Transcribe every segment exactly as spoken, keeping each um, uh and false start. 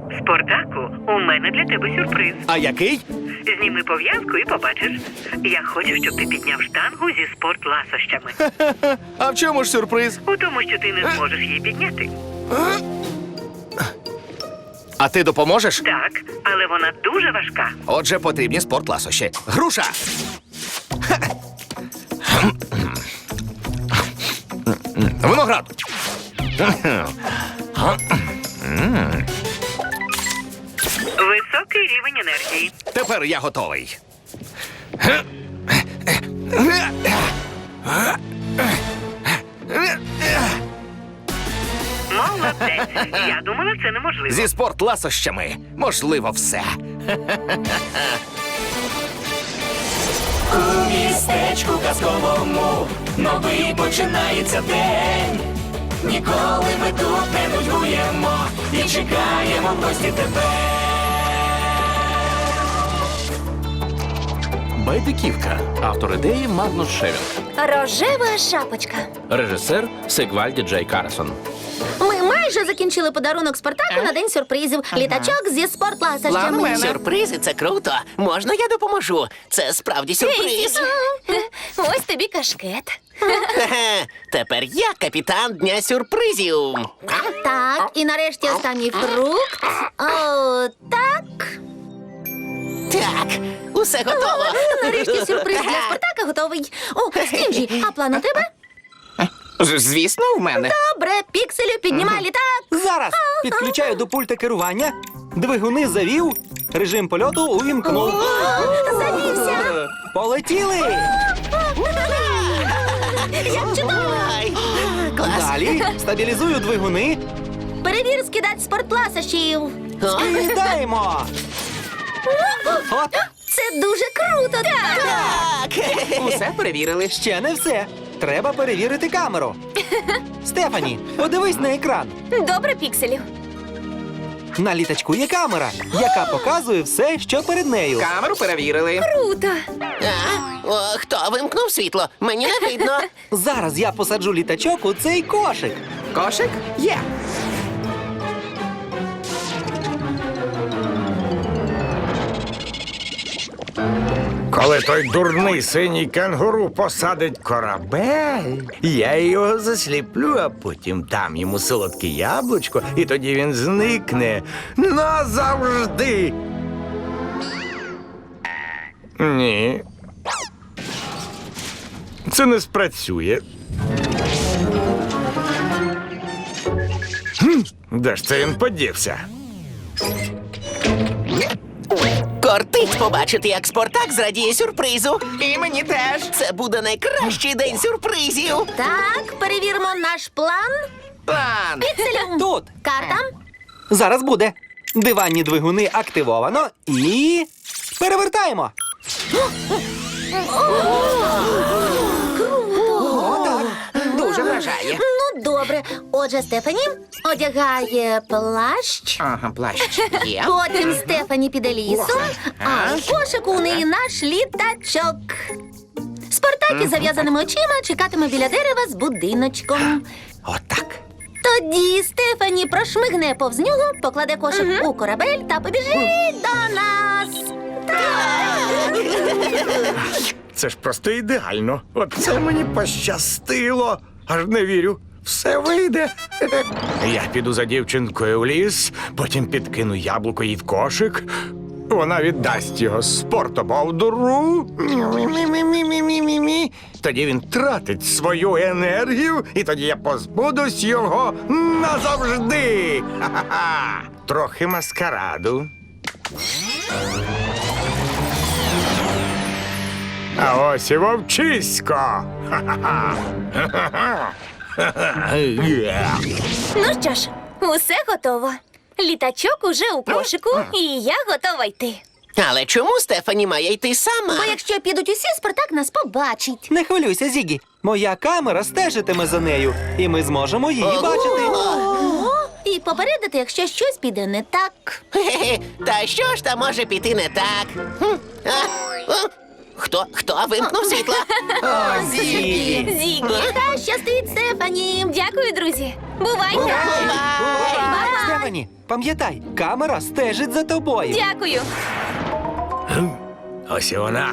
Спартаку, у мене для тебе сюрприз. А який? Зніми пов'язку і побачиш. Я хочу, щоб ти підняв штангу зі спортласощами. А в чому ж сюрприз? У тому, що ти не зможеш її підняти. А ти допоможеш? Так, але вона дуже важка. Отже, потрібні спортласощі. Груша! Виноград! Високий рівень енергії. Тепер я готовий. Молодець. Я думала, це неможливо. Зі спортласощами можливо все. У містечку казковому новий починається день. Ніколи ми тут не нудьгуємо і чекаємо в гості тебе. Байдиківка. Автор ідеї Магнус Шевінг. Рожева шапочка. Режисер Сигвальді Джей Карсон. Ми майже закінчили подарунок Спартаку на день сюрпризів. Літачок зі спортласощами. Сюрпризи — це круто. Можна я допоможу? Це справді сюрприз. Ось тобі кашкет. Хе-хе. Тепер я капітан дня сюрпризів. Так, і нарешті останній фрукт. О, так. Так, усе готово. Нарешті сюрприз для Спартака готовий. О, Стінджі, а план у тебе? Звісно, в мене. Добре, пікселю, піднімай літак. Зараз підключаю до пульта керування. Двигуни завів. Режим польоту увімкнув. Завівся. Полетіли! Як чудово. Ай, клас. Далі стабілізую двигуни. Перевір скидать спортласощів. О, Кидаємо! От, Це дуже круто. Так. так. усе перевірили. Ще не все. Треба перевірити камеру. Стефані, подивись на екран. Добре, пікселю. На літачку є камера, яка показує все, що перед нею. Камеру перевірили. Круто. А? О, хто вимкнув світло? Мені не видно. Зараз я посаджу літачок у цей кошик. Кошик є. Коли той дурний синій кенгуру посадить корабель, я його засліплю, а потім дам йому солодке яблучко, і тоді він зникне назавжди. Ні. Це не спрацює. Хм, де ж це він подівся? Кортить побачити, як Спартак зрадіє сюрпризу. І мені теж. Це буде найкращий день сюрпризів. Так, перевіримо наш план. План. Пікселю. Тут. Карта. Зараз буде. Диванні двигуни активовано і перевертаємо. Дуже вражає. Ну, добре. Отже, Стефані одягає плащ. Ага, плащ є. Потім Стефані піде лісом, а в кошику у неї наш літачок. Спартак із зав'язаними очима чекатиме біля дерева з будиночком. Отак. Тоді Стефані прошмигне повз нього, покладе кошик у корабель та побіжить до нас. Це ж просто ідеально. Оце мені пощастило. Аж не вірю. Все вийде. Я піду за дівчинкою в ліс, потім підкину яблуко їй в кошик. Вона віддасть його спортобовдуру. Мі-мі-мі-мі-мі-мі-мі. Тоді він тратить свою енергію, і тоді я позбудусь його назавжди. Ха-ха-ха. Трохи маскараду. А ось і вовчисько. Ха-ха-ха. Ха-ха-ха. Ну що ж, усе готово. Літачок уже у кошику, і я готова йти. Але чому Стефані має йти сама? Бо якщо підуть усі, Спартак нас побачить. Не хвилюйся, Зігі. Моя камера стежитиме за нею, і ми зможемо її Ого! бачити. Ого! І попередити, якщо щось піде не так. Хе-хе. Та що ж там може піти не так? Хм. А? О? Хто? Хто вимкнув світло? О, Зігі! Зігі, та щастить Стефані. Дякую, друзі. Бувайте. Бувай! Стефані, пам'ятай, камера стежить за тобою. Дякую. Ось і вона.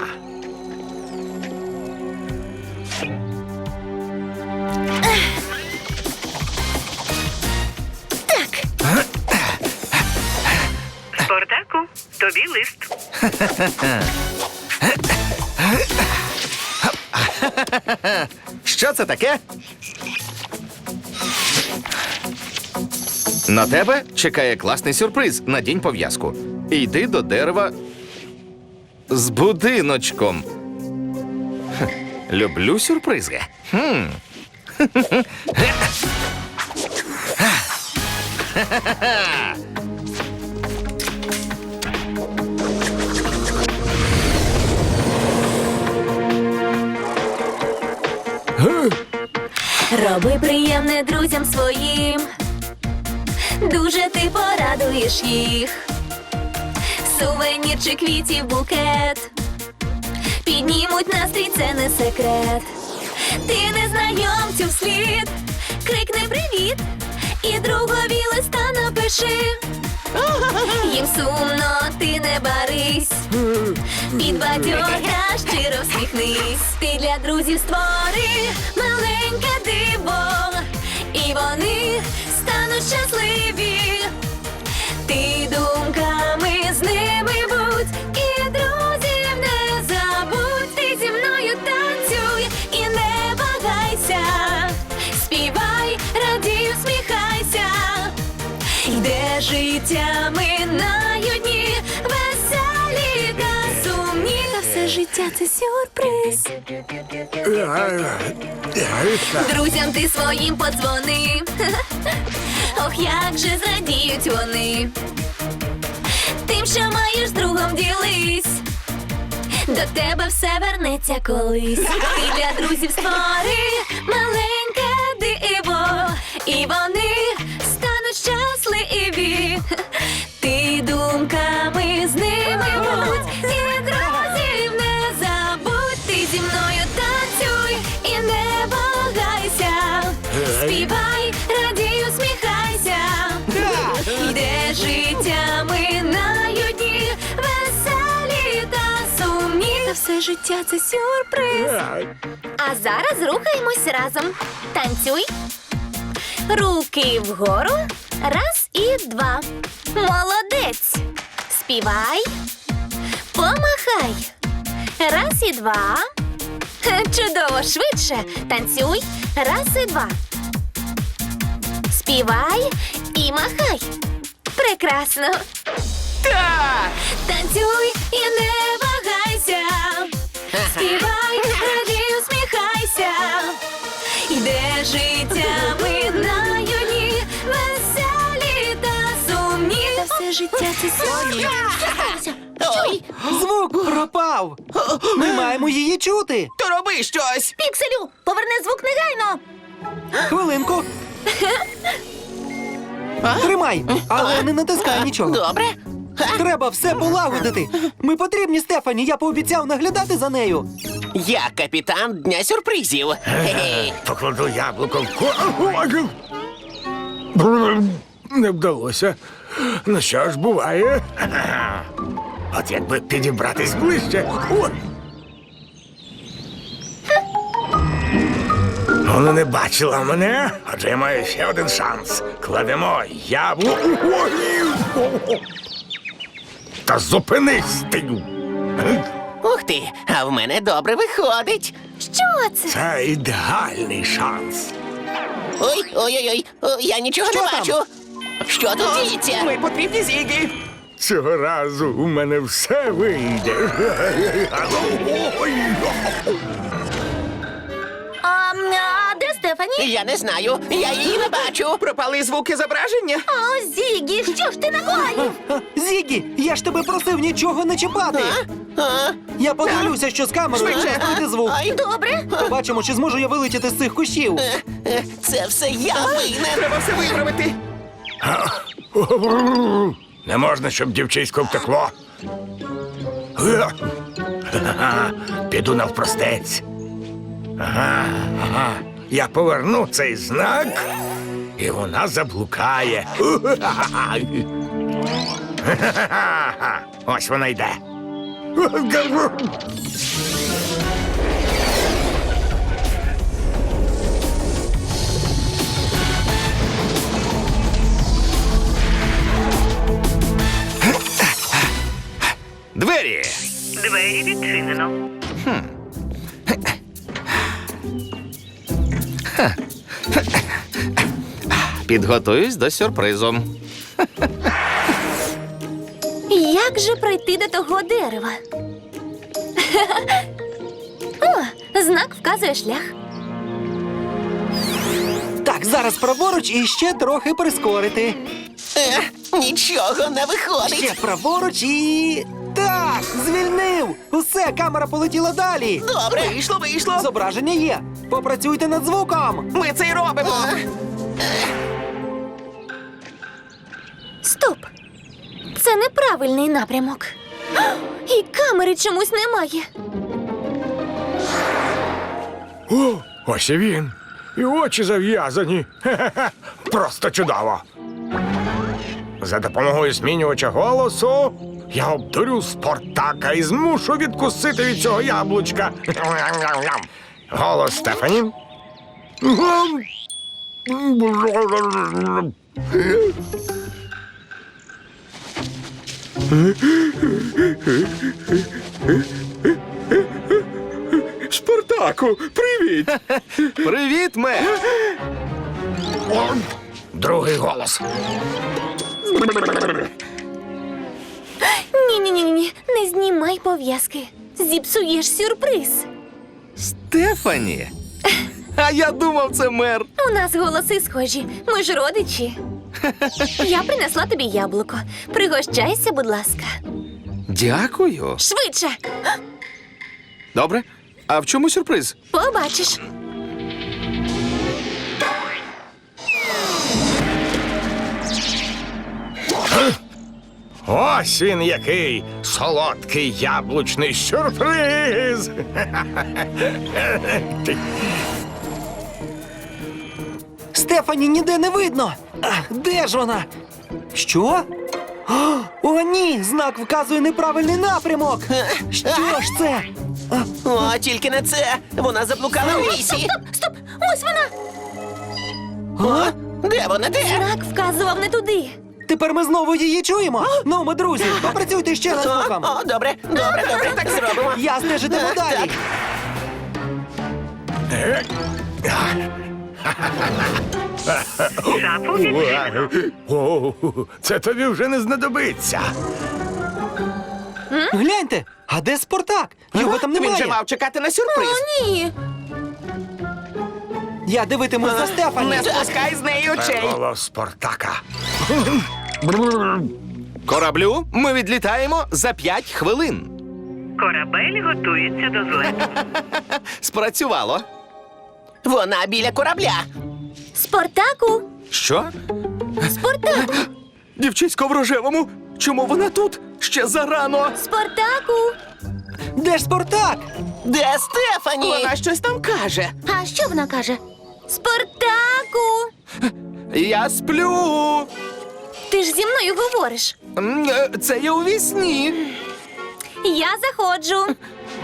Спартаку, тобі лист. Що це таке? На тебе чекає класний сюрприз. Надінь пов'язку. Йди до дерева з будиночком. Хе, люблю сюрпризи. Хм. Роби приємне друзям своїм. Дуже ти порадуєш їх. Сувенір чи квітів букет. Піднімуть настрій, це не секрет. Ти незнайомцю вслід. Крикни привіт. І другові листа напиши. Їм сумно, ти не барись. Підбадьоря, щиро всміхнись. Ти для друзів створи маленьке диво. І вони стануть щасливі. Ти думками з ними будь. І друзів не забудь. Ти зі мною танцюй і не вагайся. Співай, радій, усміхайся. Йде життя, минають дні, веселі та сумні. Та все життя це сюрприз. Друзям ти своїм подзвони. Ох, як же зрадіють вони. Тим, що маєш з другом, ділись. До тебе все вернеться колись. Ти для друзів створи маленьке диво. І вони стануть щасливі. Ти думками з ними будь. І друзів не забудь. Ти зі мною танцюй і не вагайся. Співай, радій, усміхайся. Йде життя, минають дні, веселі та сумні. Та все життя це сюрприз. А зараз рухаємось разом. Танцюй. Руки вгору. Раз і два. Молодець. Співай. Помахай. Раз і два. Чудово, швидше. Танцюй. Раз і два. Співай і махай. Прекрасно. Так! Танцюй і не вагайся. Співай, радій, усміхайся. Йде життя, минають дні, веселі та сумні. Та все життя це сьогодні. Ой, Звук пропав. Ми маємо її чути. то роби щось! Пікселю, поверни звук негайно. Хвилинку. Тримай, але не натискай нічого. Добре? Треба все полагодити. Ми потрібні Стефані, я пообіцяв наглядати за нею. Я капітан дня сюрпризів. Хе-хе. Покладу яблуко в ко... Не вдалося. Ну що ж, буває. От якби підібратись ближче. Ой. Вона не бачила мене, адже я маю ще один шанс. Кладемо яблуко. Ой. Та зупинись ти. Ух ти, а в мене добре виходить. Що це? Це ідеальний шанс. Ой, ой-ой-ой, о, я нічого Що не там? бачу. Що тут діється? Ми потрібні Зігі. Цього разу у мене все вийде. А, а де Стефані? Я не знаю, я її не бачу. Пропали звуки зображення. О, Зігі, що ж ти накоїв? Зігі, я ж тебе просив нічого не чіпати. А? Я подивлюся, що з камерою Швидше. збити звук. Ай, Добре. Побачимо, чи зможу я вилетіти з цих кущів. е, е, це все я винен. Треба все виправити. Не можна, щоб дівчисько втекло. Ага, піду навпростець. Ага, ага. Я поверну цей знак, і вона заблукає. Ось вона йде. Двері! Двері відчинено. Підготуюсь до сюрпризу. Як же пройти до того дерева? О, знак вказує шлях. Так, зараз праворуч і ще трохи прискорити. Е, нічого не виходить. Ще праворуч і. Так, звільнив! Усе, камера полетіла далі. Добре. Вийшло, вийшло. Зображення є. Попрацюйте над звуком. Ми це й робимо. Стоп! Це неправильний напрямок. І камери чомусь немає. О, ось і він. І очі зав'язані. Хе-хе-хе. Просто чудово. За допомогою змінювача голосу я обдурю Спартака і змушу відкусити від цього яблучка. Голос Стефані. Спартаку, привіт! Привіт, мер! Другий голос. Ні-ні-ні, не знімай пов'язки. Зіпсуєш сюрприз. Стефані! А я думав, це мер. У нас голоси схожі. Ми ж родичі. Я принесла тобі яблуко. Пригощайся, будь ласка. Дякую. Швидше. Добре. А в чому сюрприз? Побачиш. Ось він який солодкий яблучний сюрприз. Стефані ніде не видно. А, де ж вона? Що? О, о, ні! Знак вказує неправильний напрямок. Що ж це? О, тільки не це. Вона заблукала в лісі. Стоп! Ось вона! О, де вона? Де? Знак вказував не туди. Тепер ми знову її чуємо. Ну, ми друзі, попрацюйте ще над О, звуком. о, добре, добре, добре, так зробимо. Я стежитиму Так, далі. Шафу відчинено. О, це тобі вже не знадобиться. Гляньте, а де Спартак? Його там Він же немає. мав чекати на сюрприз. Ні. Я дивитимусь за Стефані. Не спускай з неї очей. Голос Спартака. Кораблю, ми відлітаємо за п'ять хвилин. Корабель готується до злету. Спрацювало. Вона біля корабля. Спартаку! Що? Спартаку! Дівчисько в рожевому. Чому вона тут? Ще зарано. Спартаку! Де ж Спартак? Де Стефані? Вона щось там каже. А що вона каже? Спартаку! Я сплю. Ти ж зі мною говориш. М, е, Це я у вісні. Я заходжу.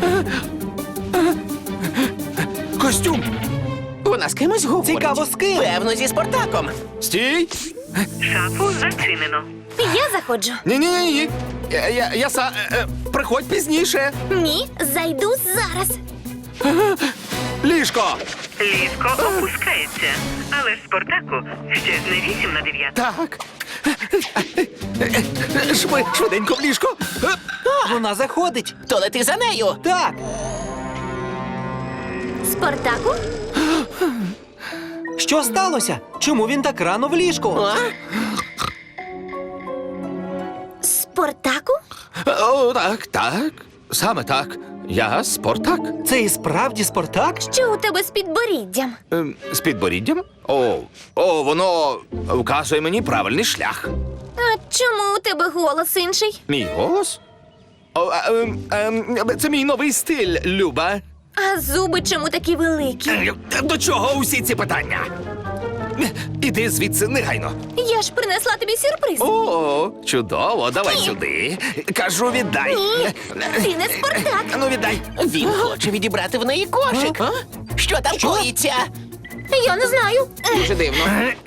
Костюм. Вона з кимось говорить. Цікаво, з ким? Певно, зі Спартаком. Стій. Шафу зачинено. Я заходжу. Ні-ні-ні. Я, я, я са... е, е, приходь пізніше. Ні, зайду зараз. Ліжко. Ліжко опускається. Але ж Спартаку ще не вісім на дев'яту. Так. Шви, швиденько в ліжко. Е, Вона заходить. То лети за нею. Так. Спартаку? Що сталося? Чому він так рано в ліжку? А? Спартаку? О, так, так. Саме так. Я Спартак. Це і справді Спартак? Що у тебе з підборіддям? Ем, З підборіддям? О, о, воно вказує мені правильний шлях. А чому у тебе голос інший? Мій голос? О, а, ем, ем, це мій новий стиль, Люба. А зуби чому такі великі? Е, До чого усі ці питання? Іди звідси негайно. Я ж принесла тобі сюрприз. О, чудово, давай сюди. Кажу, віддай. Ні, ти не Спартак. Ну, віддай. Він хоче відібрати в неї кошик. Що там коїться? Я не знаю. Дуже дивно.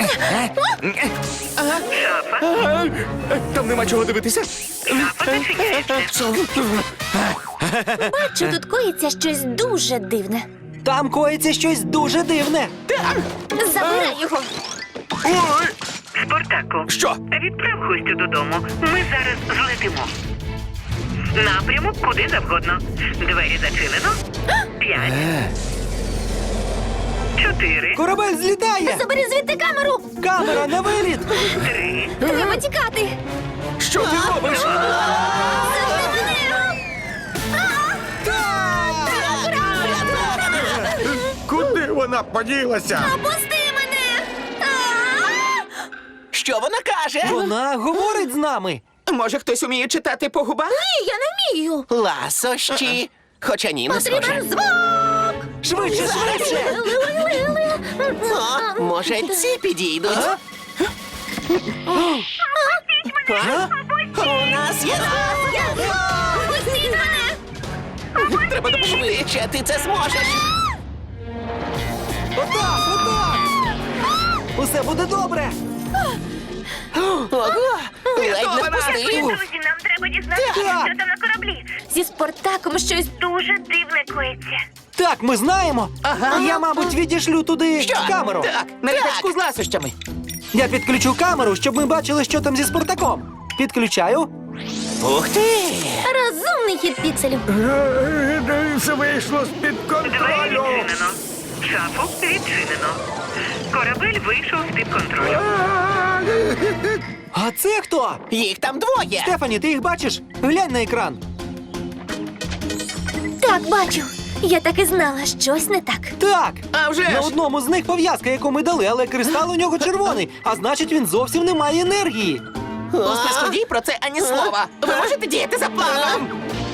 Шафа. Там нема чого дивитися. Шафа зачиняється. Бачу, тут коїться щось дуже дивне. Там коїться щось дуже дивне. Забирай його. Ой! Спартаку. Що? Відправ гостю додому. Ми зараз злетимо. Напрямок куди завгодно. Двері зачинено. П'ять. Чотири. Корабель злітає! Забери звідти камеру! Камера на виліт! Три. Треба тікати. Що ти робиш? Куди вона поділася? Пусти мене. А! Що вона каже? Вона говорить з нами. Може, хтось уміє читати по губах? Ні, я не вмію. Ласощі. Хоча ні, не схоже. Потрібен звук! Швидше, швидше! О, може, ці підійдуть? А? А? У нас є... Пустіть мене. Треба допомогти. Швидше, ти це зможеш. Отак, отак! Усе буде добре! Ого, ледь не впустив. Друзі, нам треба дізнатися, Так. що там на кораблі. Зі Спартаком щось Дуже дивне коїться. Так, ми знаємо. Ага. Я, мабуть, відішлю туди камеру. Так, на літачку з ласощами. Я підключу камеру, щоб ми бачили, що там зі Спартаком. Підключаю. Ух ти! Розумний хід пікселю. Е, Все вийшло з-під Двері контролю. відчинено. Шафу відчинено. Корабель вийшов з-під контролю. А це хто? Їх там двоє. Стефані, ти їх бачиш? Глянь на екран. так, бачу. Я так і знала, щось не так. Так. А вже На ж. одному з них пов'язка, яку ми дали, але кристал у нього червоний, а значить він зовсім не має енергії. У спецході про це ані слова. Ви можете діяти за планом.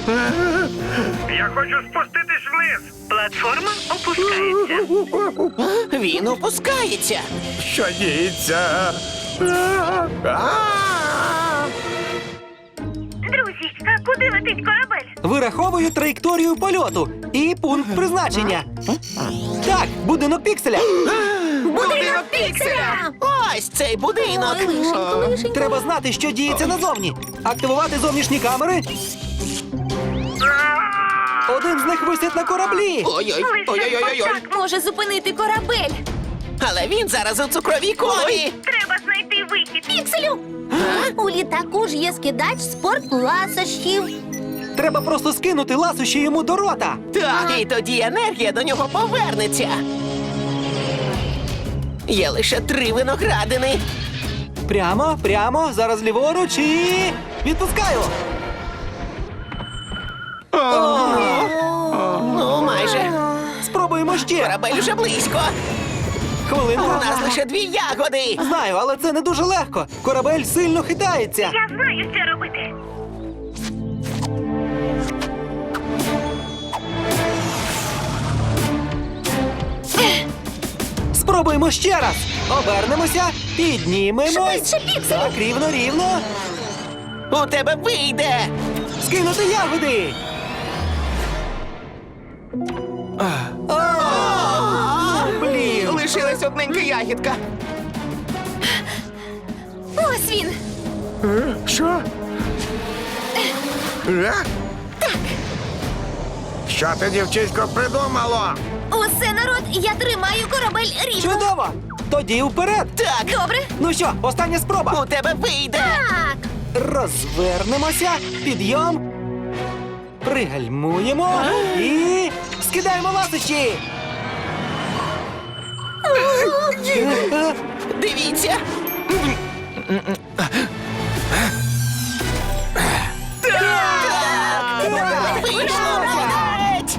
Я хочу спуститись вниз. Платформа опускається. Він опускається. Що діється? А! Друзі, а куди летить корабель? Вираховую траєкторію польоту і пункт призначення. Так, будинок пікселя. Будинок пікселя! Ось цей будинок. Ой, лишенько, лишенько. Треба знати, що діється назовні. Активувати зовнішні камери. Один з них висить на кораблі. Ой-ой, ой-ой-ой-ой. Так може зупинити корабель. Але він зараз у цукровій комі. Треба знайти вихід. Пікселю! У літаку ж є скидач спортласощів. Треба просто скинути ласощі йому до рота. Так, і тоді енергія до нього повернеться. Є лише три виноградини. Прямо, прямо, зараз ліворуч і... Відпускаю! Ну, майже. Спробуємо ще. Корабель уже близько. У Хвилинку. нас лише дві ягоди. Знаю, але це не дуже легко. Корабель сильно хитається. Я знаю, що робити. Спробуємо ще раз. Обернемося, піднімемось. Швидше, Пікселю! Так, рівно, рівно. У тебе вийде. Скинути ягоди. А, блін. Лишилась одненька ягідка. Ось він. Що? Е? Що ти, дівчисько, придумало? Усе, народ, я тримаю корабель рівно. Чудово. Тоді вперед. Так, Добре. Ну що, остання спроба. у тебе вийде. Так, Розвернемося, підйом, пригальмуємо і скидаємо ласощі. Дивіться. Так! Вийшло, молодець!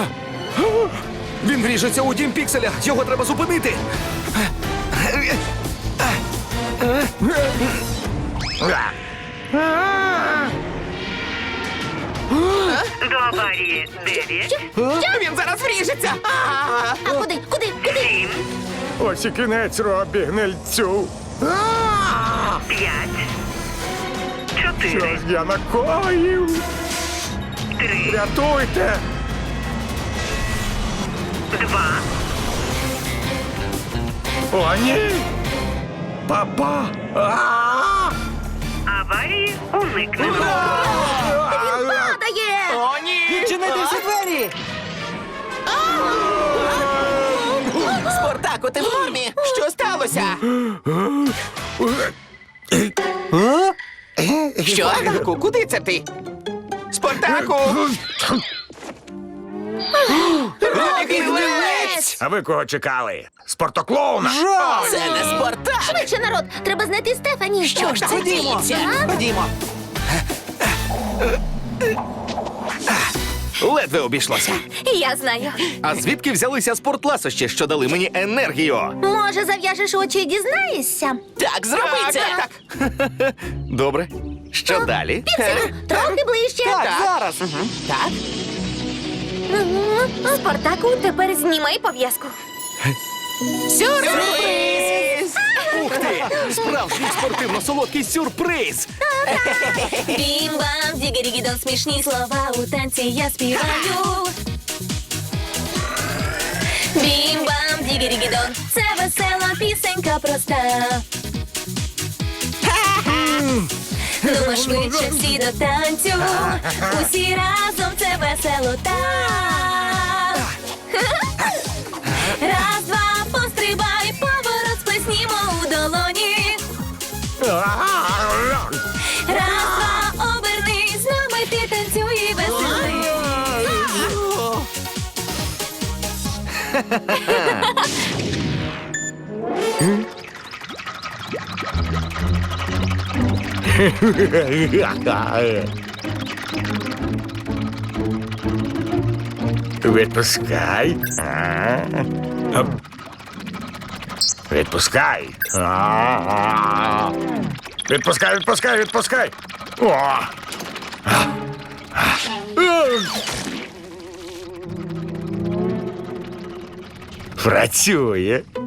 Він вріжеться у дім пікселя. Його треба зупинити. До аварії дев'ять, Він зараз вріжеться! А! А куди? Куди? Куди? сім, Ось і кінець, Робі, гнильцю. п'ять, Що чотири, ж я накоїв? три, Рятуйте! два, О, ні! Папа! А! аварії уникнено. Падає! О, ні! Відчинити всі двері! Спартаку, ти в формі? Що сталося? А? Що? Спартаку, куди це ти? Спартаку! Робі Гнилець! А ви кого чекали? Спортоклоуна? Жах! Це не Спартак! Швидше, народ! Треба знайти Стефані. Що ж це Ходімо! діється? Ходімо! Ледве обійшлося. Я знаю. А звідки взялися спортласощі, що дали мені енергію? Може, зав'яжеш очі і дізнаєшся? Так, зроби це! Так. Добре. Що далі? Трохи ближче. Так, зараз! Так? Спартаку, тепер знімай пов'язку. Сюрприз! Ух ти! Справжній спортивно-солодкий сюрприз! Бім-бам, дігері-гідон, смішні слова у танці я співаю. Бім-бам, дігері-гідон, це весела пісенька проста. Ну, швидше всі до танцю, усі разом це весело так. Раз, два, пострибай, поворот сплеснімо у долоні. Раз, два, обернись, з нами ти танцюй і веселись. Відпускай. А. Оп. Відпускай. А. Відпускай, відпускай, відпускай. О. А. А. Працює.